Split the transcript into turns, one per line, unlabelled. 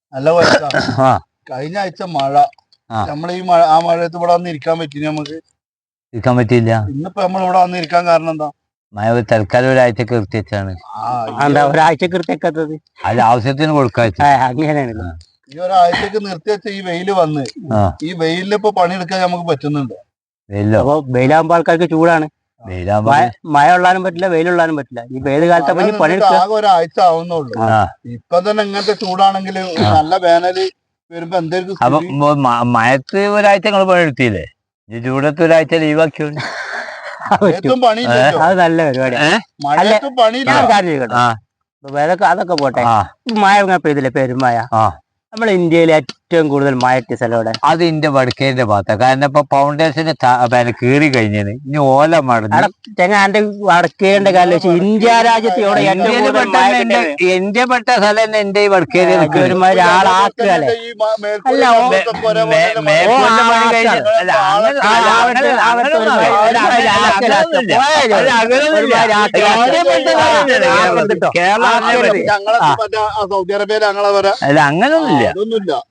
നല്ല കൊഴക്കാ.
ആ
കഴിഞ്ഞ ആഴ്ച മഴ,
ആ.
നമ്മളീ ആ മഴയത്ത് ഇവിടെ വന്ന് ഇരിക്കാൻ പറ്റി നമുക്ക്?
ഇരിക്കാൻ പറ്റിയില്ല.
ഇന്നിപ്പോ നമ്മൾ ഇവിടെ വന്ന് ഇരിക്കാൻ കാരണം എന്താ?
മഴ തൽക്കാലം ഒരാഴ്ചക്ക് നിർത്തിവെച്ചാണ്.
എന്താ ഒരാഴ്ച കൃത്യക്കത്തത്?
അത് ആവശ്യത്തിന് കൊടുക്കാച്ച.
അങ്ങനെയാണല്ലോ.
ഈ ഒരാഴ്ചക്ക് നിർത്തി വെച്ച ഈ വെയില് വന്ന് ഈ വെയിലിൽ ഇപ്പൊ പണിയെടുക്കാൻ നമുക്ക് പറ്റുന്നുണ്ടോ?
വെയിലോ?
വെയിലാകുമ്പോ ആൾക്കാർക്ക് ചൂടാണ്.
വെയിലാകുമ്പോ
മഴ ഉള്ളാനും പറ്റില്ല, വെയിലുള്ളാനും പറ്റില്ല. ഈ വെയിൽ കാലത്ത് പണിയെടുക്കുക
ആകെ ഒരാഴ്ച ആവുന്നുള്ളൂ. ഇപ്പൊ തന്നെ ഇങ്ങനത്തെ ചൂടാണെങ്കിൽ നല്ല വേനല് വരുമ്പോ എന്തായിരിക്കും?
അപ്പൊ മഴത്ത് ഒരാഴ്ച നിങ്ങൾ പണിയെടുത്തില്ലേ? ഈ ചൂടത്ത് ഒരാഴ്ച ലീവാക്കിയോണ്ട്
പണിയില്ലല്ലോ.
അത് നല്ല പരിപാടിയാണ്.
മഴയത്തും പണിയില്ല.
അതൊക്കെ പോട്ടെ. മഴ ഇങ്ങനെ പെയ്തില്ലേ, പെരുമഴ. നമ്മുടെ ഇന്ത്യയിൽ ഏറ്റവും കൂടുതൽ മഴ കിട്ടിയ സ്ഥലം ഇവിടെ?
അത് ഇന്റെ വടക്കേന്റെ ഭാഗത്താണ്. കാരണം ഇപ്പൊ ഫൗണ്ടേഷന് കീറി കഴിഞ്ഞത്. ഇനി ഓല മടങ്ങി
ചെങ്ങാന്റെ വടക്കേന്റെ കാലം വെച്ച് ഇന്ത്യ രാജ്യത്ത് ഇവിടെ
എന്റെ പെട്ട സ്ഥലം തന്നെ എന്റെ ഈ വടക്കേരി
ഒരാളാക്കുകയല്ലേ.
സൗദി അറേബ്യയിൽ ഞങ്ങളെ
അല്ല അങ്ങനൊന്നുമില്ല.
അതൊന്നുമില്ല.